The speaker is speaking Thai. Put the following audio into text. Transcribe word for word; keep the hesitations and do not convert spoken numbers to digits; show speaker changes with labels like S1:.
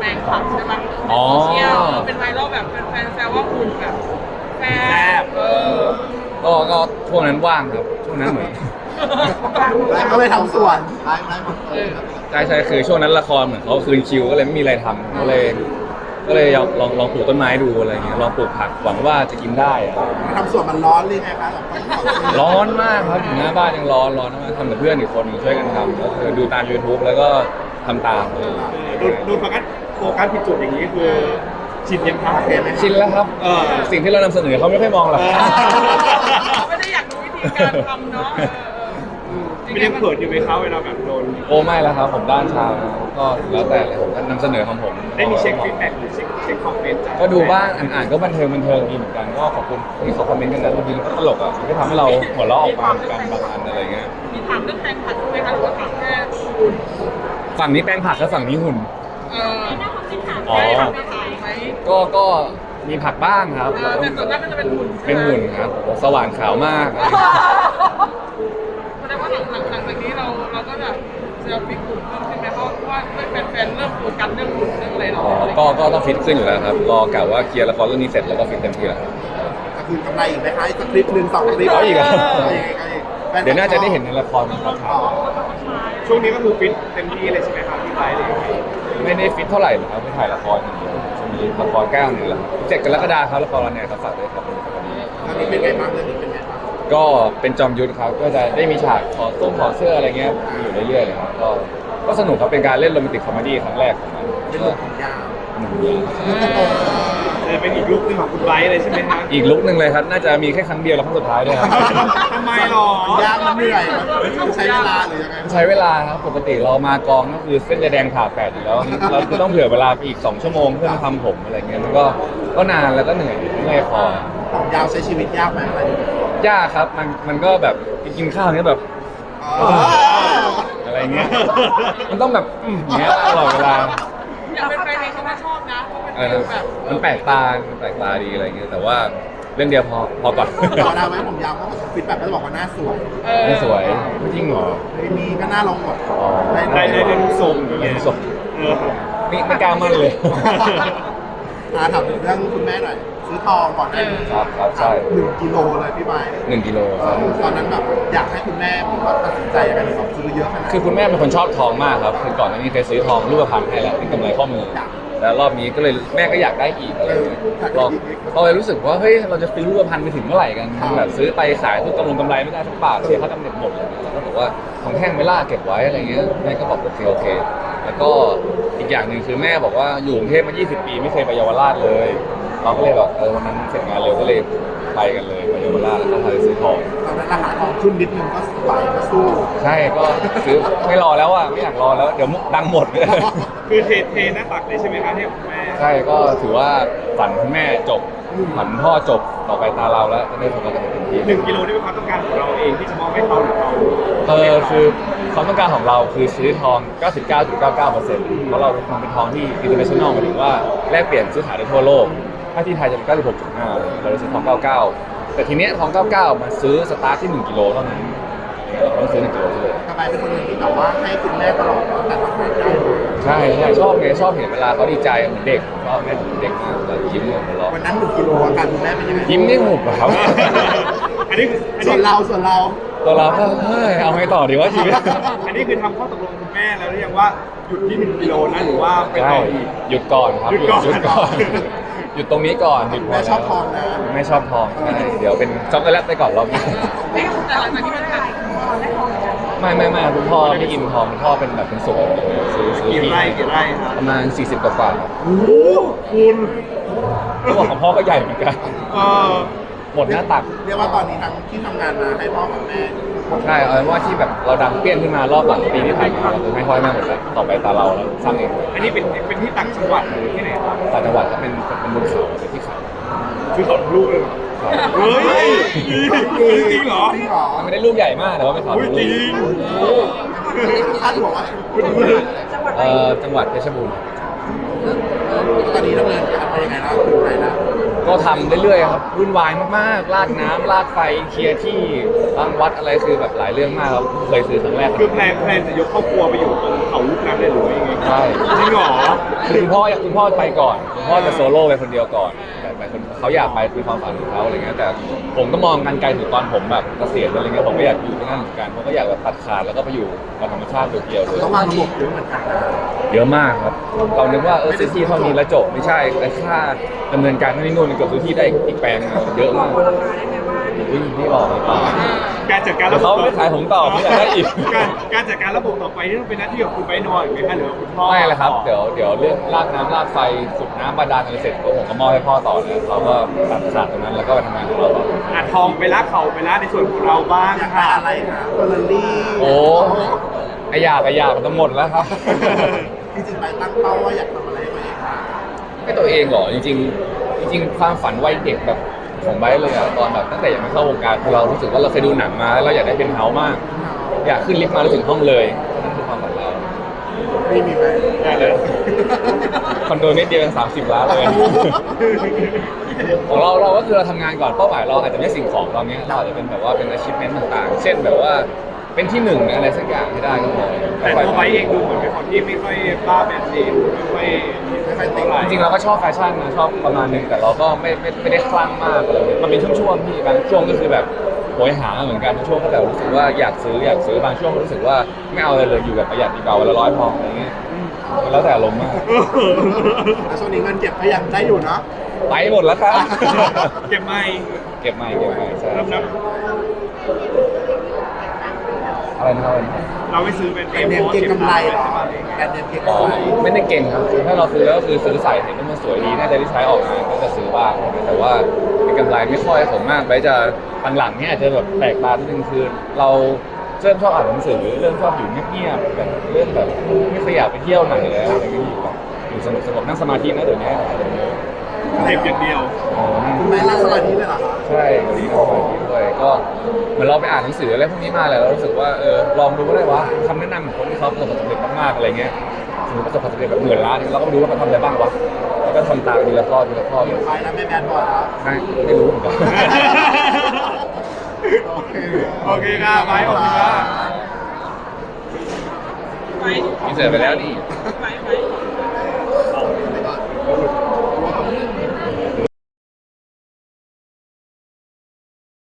S1: แปลงผักใช่ไหมในโซเชียลเป็นไวรัลแบบแฟนๆแซวว่าหุ่นแบบแซ่บเออ
S2: ก็ก็ช่วงนั้นว่างครับช่วงนั้นเหมือน
S3: แล้วก็ไปทำสวนไล่ไล่หมดเลย
S2: ใช่ใช่คือช่วงนั้นละครเหมือนเขาคืนคิวก็เลยไม่มีอะไรทำก็เลยก็เลยลองลองปลูกต้นไม้ดูอะไรเงี้ยลองปลูกผักหวังว่าจะกินได้อะ
S3: ทำสวนมันร้อนเลยไงคะ
S2: ร้อนมากครับอยู่หน้าบ้านยังร้อนร้อนมากทำกับเพื่อนอีกคนหนึงช่วยกันทำก็คือดูตาม YouTube แล้วก็ทำตามเลย
S4: โดนโดนโฟกัสโฟกัสผิดจุดอย่างนี้คือชินยังครับ
S2: ชินแล้วครับ
S4: เออ
S2: สิ่งที่เรานำเสนอเขาไม่ค่อยมองหรอก
S1: เขาไม่ได้อยากรู้วิธีการทำเนาะ
S4: ไม่ได้เปิดอยู่ไหมครับเวลาแบบโดน
S2: โอ้ไม่แล้วครับผมด้านชาวนะก็แล้วแต่เลยผมก็นำเสนอของผม
S4: ได้มีเช็คฟีดแบ็กหรือเช็คเช็คคอมเมนต์จาก
S2: ก็ดูบ้างอ่านๆก็บันเทิงบันเทิงดีเหมือนกันก็ขอบคุณที่เขาคอมเมนต์กันนะบางทีมันก็ตลกอ่ะมันก็ทำให้เราหัวเราะออกมาเหมือนกันบางอันอะไรเงี้ย
S1: มีถามเรื่องแปลงผักไหมคะหรือว่าถามแค่หุ่น
S2: ฝั่งนี้แป้งผักแล้วฝั่งนี้หุ่น
S1: เออ
S2: อ๋อ
S1: ได้ถามไม่ถามไหม
S2: ก็ก็มีผักบ้างครับ
S1: เออแต่ส่วนมากก็จะเป็นหุ่น
S2: เป็นหุ่นครับโอ้สว่างขาวมาก
S1: แสดงว่าหลังหลังหลังจากนี้เราเราก็จะเซลฟี่หุ่นเพิ่มขึ้นไหมเพราะว่าแฟนๆเริ่มโฟกัสเรื่องหุ่นเรื่องอะไรเรา
S2: อ๋อก็ก็ต้องฟิตขึ้นอยู่แล้วครับรอกะว่าเคลียร์ละครเรื่องนี้เสร็จแล้วก็ฟิตเต็มที่แล้วครับ
S3: ก็คือกำไรอีกไหมคะอีกสักคลิปหนึ่งสองคลิป
S2: เอาอีกเหรอ
S3: เอาอีกเอาอีก
S2: เดี๋ยวน่าจะได้เห็นในละครนะครับ
S4: ช่วงนี้ก็คือฟิตเต็มที่เลยใช่ไหมครับพี่ไบร์ทเลย
S2: ไม่ได้ฟิตเท่าไหร่หรอกครับไปถ่ายละครอย่างเดียวจะมีละครแก้วหนึ่งแหละเจ็ดกรกฎาคมครับละครวันไหนครับฝากด้วยครับ
S3: ตอนนี้เป็นไงบ้างเรื่องนี้เป็นไงบ้าง
S2: ก็เป็นจอมยุทธครับก็จะได้มีฉากขอส้มขอเสื้ออะไรเงี้ยอยู่เรื่อยๆเลยครับก็ก็สนุกครับเป็นการเล่นโรแมนติกคอมเมดี้ครั้งแรกของมัน
S3: เป็น
S2: ก็
S3: เรื่องของยาว
S2: หนึ่งเดือน
S4: จะเป็นอีกลุคหนึงของคุณไบร์ทเลยใช่ไหมฮะ
S2: อีกลุกหนึ่งเลยครับน่าจะมีแค่ครั้งเดียวแล้วครั้งสุดท้ายด้วยครับ
S4: ทำไมหรอ
S3: มันยากมันเหนื่อยมันใช้เวลาหรือยังไง
S2: ใช้เวลาครับปกติเรามากองก็คือเส้นจะแดงผ่าแปดอยู่แล้วเราคือต้องเผื่อเวลาไปอีกสองชั่วโมงเพื่อมาทำผมอะไรเงี้ยมันก็ก็นานแล้วก็เหนื่อยเมื่อยคอ
S3: ของยาวใช้ชีวิตยากไหมอะไรอย่างเงี้ย
S2: ยากครับมันมันก็แบบกินข้าวเนี้ยแบบ
S3: อ๋อ
S2: อะไรเงี้ยมันต้องแบบอืมอย่างเงี้ยตลอดเวลา
S1: อยากเป็นแฟนเองเขาก็ชอบนะเพราะ
S2: เอ
S1: เป็น
S2: อ
S1: แบบ
S2: มันแปลกตามันแปลกตาดีอะไรเงี้ยแต่ว่าเรื่องเดียวพอพอก่อน
S3: ต่อได้ไหมผมยาวเพราะฟีดแบ็กก็จะบอกว่าหน้าสวย
S1: เออ
S2: ไม่สวยไม่จริงเหรอ
S3: ไม่มีก็หน้าลงหมด
S2: อ๋อ
S4: ได้ได้ได้ทุกทรงอย่างเงี้ย
S2: ไม่สวย
S4: เออ
S2: ไม่ไม่กล้ามั่นเลย
S3: อาถามถึงเรื่องคุณแม่หน่อยซื้อทองก่อนหน้านี้
S2: ครับครับใช่
S3: หนึ่งกิโลเลยพี่บาย
S2: หนึ่งกิโลครับ
S3: ตอนนั้นแบบอยากให้คุณแม่ผมว่าตัดสินใจยังไงถึงแบบซื้อเยอะขนาดนั้น
S2: คือคุณแม่เป็นคนชอบทองมากครับคือก่อนหน้านี้เคยซื้อทองรูปพรรณให้แล้วเป็นกำไรข้อมือ แล้วรอบนี้ก็เลยแม่ก็อยากได้อีกอะไรอย่างเงี้ยเราเราเลยรู้สึกว่าเฮ้ยเราจะซื้อรูปพรรณไปถึงเมื่อไหร่กันแบบซื้อไปขายทุกกำลังกำไรไม่ได้สักบาทเสียค่ากำเนิดหมดเลยแล้วก็บอกว่าของแท่งไม่ล่าเก็บไว้อะไรเงี้ยแม่ก็บอกโอเคโอเค แล้วก็อีกอย่างหนึ่งคือแม่บอกว่าอยู่กรุงเทพมายี่สิบปีไม่เคยไปเยาวราชเลยเราก็เลยแบบเออวันนั้นเสร็จงานเร็วก็เลยไปกันเลยไปเยาวราชแล้วก็พาไปซื้อทอง
S3: ตอนนั้นราคาทองขึ้นนิดนึงก็ไปก็สู้
S2: ใช่ก็ซื้อไม่รอแล้วอ่ะไม่อยากรอแล้วเดี๋ยวดังหมด
S4: คือเทเทหน้าตักเลยใช่ไหมครับที่คุณแม่
S2: ใช่ก็ถือว่าฝันคุณแม่จบฝันพ่อจบต่อไปตาเราแล้วจะได้ทำงานกันเต็มที่
S4: หนึ่งกิโลนี่เป็นความต้องการของเราเองที่จะมอบให้เขาหรือเรา
S2: เออคือความต้องการของเราคือซื้อทอง เก้าสิบเก้าจุดเก้าเก้าเปอร์เซ็นต์ เพราะเราทำเป็นทองที่ international หมายถึงว่าแลกเปลี่ยนซื้อขายได้ทั่วโลก ถ้าที่ไทยจะเป็น เก้าสิบหกจุดห้า เราเลยซื้อทอง เก้าสิบเก้า แต่ทีเนี้ยทอง เก้าสิบเก้า มาซื้อสตาร์ทที่หนึ่งกิโลเท่านั้นเราต้องซื้อหนึ่งกิโลเลย
S3: ทำไมเป็นคนหนึ่งที่แบบว่าให้คุณแม่ตลอดตั้งแต่ทำงานได้
S2: ใช่ใช่ชอบไงชอบเห็นเวลาเขาดีใจเหมือนเด็กชอบแม่เด็กมากแล้วยิ้มหัวเราะ
S3: วันนั้นหนึ่งกิโลอาการคุณแม่เป็นยังไง
S2: ยิ้มนี่หุบอะครับ
S4: อันนี้คืออัน
S3: ส่ว
S4: นี้
S3: นเราส่วนเรา
S2: ตัวเราก็เฮ้ยเอาไงต่อดีวะชีวิต
S4: อันนี้คือทำข้อตกลงคุณแม่แล้วหรือยังว่าหยุดที่หนึ่งกิโลนะหรือว่าไป
S2: ใช่
S4: ต่ออีก
S2: หยุดก่อนครับ
S4: หยุดก่อน
S2: หยุดก่อน หยุดตรงนี้ก่อนหยุดพ
S3: แม่ชอบทองนะ
S2: ไม่ชอบทองใช่เดี๋ยวเป็นช็อกโกแลตไปก่อนรอบนี้
S1: ไม่แต่หลังจากที่มันผ่าน
S2: ไม่ไม่ไม่คุณพ่อไม่กินทองคุณพ่อเป็นแบบเป็นสวนซื้อซื้อ
S4: กี่
S2: ที่
S4: ไร่กี่ไร่ครับ
S2: ประมาณสี่สิบกว่าๆครับ
S4: โอ้โหคุณ
S2: เขาบอกของพ่อก็ใหญ่เหมือนกัน
S4: เออ
S2: หมดหน้าตัก
S3: เรียกว่าตอนนี้ทั้งที่ทำงานมาให้พ่อกับแม่
S2: ใช่เอาเป็นว่าที่แบบเราดังเปี้ยนขึ้นมารอบหลังปีที่ผ่านมาเราคือให้พ่อแม่หมดแล้วต่อไปตาเราแล้วสร้างเอง
S4: อันนี้เป็นเป็นที่ต่างจังหวัดหรือที่ไหนครับ
S2: ต่างจังหวัดก็เป็นเป็นบนเขาเป็นที่เขา
S4: คือเขาลูกเลยเหรอ
S2: ครับ
S4: เฮ้ยจริงเหรอ
S3: จริงเหรอ
S2: มันไม่ได้ลูกใหญ่มากแต่ว่าเป็นเขา
S4: อุ้ยจริง
S3: ท่านบอกว่า
S2: เอ่อจังหวัดเพชรบูรณ์
S3: ตอนนี้ดำเนินการไปยังไงแล้วถึงไหนแล้ว
S2: ก็ทำเรื่อยๆครับวุ่นวายมากๆลากน้ำลากไฟเคลียร์ที่ตั้งวัดอะไรคือแบบหลายเรื่องมากครับเคยซื้อครั้งแรก
S4: คือแพลนแพลนจะยกครอบครัวไปอยู่ตรงเขาลูกนั้นเลยหรือว่ายังไง
S2: เอช่
S4: จริงเหรอ
S2: คือคุณพ่อคุณพ่อไปก่อนคุณพ่อจะโซโล่ไปคนเดียวก่อนแต่แต่คนเขาอยากไปเป็นความฝันของเขาอะไรเงี้ยแต่ผมก็มองกันไกลถึงตอนผมแบบเกษียณอะไรเงี้ยผมก็อยากอยู่ที่นั่นเหมือนกันผมก็อยากแบบตัดขาดแล้วก็ไปอยู่กับธรรมชาติเดียวๆเลย
S3: ต้องวางระบบเยอะเหมือนกันนะ
S2: เยอะมากครับเรานึกว่าเออซื้อที่เท่านี้แล้วจบไม่ใช่แต่ค่าดำเนินการที่นู่นมันเกือบซื้อที่ได้อีกแปลงนึงเยอะมากอุ้ยนี่บอกเลยป่า
S4: การจัดการ
S2: เดี๋
S4: ระ
S2: ยว
S4: บบ
S2: เขาไม่ขายผมต่อไม่อยากได้อีก
S4: การการจัดการระบบต่อไปนี่ต้องเป็นหน้าที่ของคุณไปนอนหรือไม่คะหรือว่าคุณพ่อ
S2: ไม่ละครับเดี๋ยวเดี๋ยวเรื่องลากน้ำลากไฟสุดน้ำบาดาลอะไรเสร็จก็ผมก็มอบให้พ่อต่อเลยเราก็ตัดขาดตรงนั้นแล้วก็ไปทำงานของเราต่อ
S4: อ่ะทองไปละเขาไปละในส่วนของเราบ้าง
S3: อยากได้
S4: ค่ะ
S3: อะไรคะเฟอร์รารี่
S2: โอ้ไออยากไออยากมันจะหมดแล้วครับ
S3: จริงๆไปตั้งเป้าว่าอยากทำอะไรไว้ค่ะ
S2: ให้ตัวเองเหรอจริงๆจริงๆความฝันวัยเด็กแบบของไบร์ทเลยอะตอนแบบตั้งแต่ยังไม่เข้าวงการคือเรารู้สึกว่าเราเคยดูหนังมาแล้วเราอยากได้เป็นเฮาส์มาก อยากขึ้นลิฟต์มาแล้วถึงห้องเลยนั่นคือความฝันเรา
S3: ไม่มีไหม
S2: ได้เลยคอนโดนิดเดียวเป็นสามสิบล้านเลย ของเราเราก็คือเราทำงานก่อนเป้าหมายเราอาจจะไม่สิ่งของเราเนี้ยเราอาจจะเป็นแบบว่าเป็น achievement ต่างๆ เช่นแบบว่าเป็นที่หนึ่งในอะไรสักอย่างให้ได้ก็พอ
S4: แต่ตัวไปเองดูเหมือนเป็นคนที่ไม่ค่อยบ้าแบรนด์เนมไม่ค่อย
S3: ไม่ค่อยติด
S4: เท่าไหร่
S2: จริงๆเราก็ชอบแฟชั่นนะชอบประมาณนึงแต่เราก็ไม่ไม่ไม่ได้คลั่งมากอะไรเลยมันเป็นช่วงๆที่บางช่วงก็คือแบบโหยหาเหมือนกันบางช่วงก็แบบรู้สึกว่าอยากซื้ออยากซื้อบางช่วงก็รู้สึกว่าไม่เอาอะไรเลยอยู่แบบประหยัดดีกว่าวันละร้อยพออะไรเงี้ยมันแล้วแต่อารมณ์มาก
S3: แล้วช่วงนี้เงินเก็บก็ยังได้อยู่เนาะ
S2: ไปหมดแล้วครับ
S4: เก็บไม่
S2: เก็บใหม่เก็บใหม่ใช่
S4: นับนับ
S2: อะไรนะครับ
S4: เราไม่ซื้อเป็น
S3: แบรนด์เนมเก็งกำไรเหรอแบรนด์เนมเก็ง
S2: อ๋อก
S3: ำไร
S2: ไม่ได้เก่งครับถ้าเราซื้อแล้วก็คือซื้อใส่เห็นว่ามันสวยดีน่าจะได้ใช้ออกงานก็จะซื้อบ้างแต่ว่าเป็นกำไรไม่ค่อยผมมากไปจะหลังๆเนี่ยอาจจะแบบแปลกตานิดนึงคือเราเริ่มชอบอ่านหนังสือเริ่มชอบอยู่เงียบๆแบบเริ่มแบบไม่เคยอยากไปเที่ยวไหนแล้วอะไรอย่างเงี้ยอยู่แบบอยู่สงบสงบนั่งสมาธินะเดี๋ยวนี้
S4: เก็บอย่างเดียว
S2: อ๋อ
S3: คุณแม่รักสมาธิเลยเหรอคะ
S2: ใช่ดีมากเลยด้วยก็เหมือนเราไปอ่านหนังสืออะไรพวกนี้มาแล้วเรารู้สึกว่าเออลองดูก็ได้วะคำแนะนำของคนที่เขาประสบความสำเร็จมากๆอะไรเงี้ยสมมติประสบความสำเร็จแบบหมื่นล้านเราก็ไปดูว่าเขาทำอะไรบ้างวะแล้วก็ทำตามทีละข้อทีละข้อเลย
S3: ไปแล้วไม่แบนบอยแล้ว
S2: ไม่ไม่รู้เหมือนกัน
S3: โอเค
S4: โอเคค่ะไปขอบคุณค่ะ
S1: ไป
S2: อินเสิร์ตไปแล้วนี่
S1: ไปไป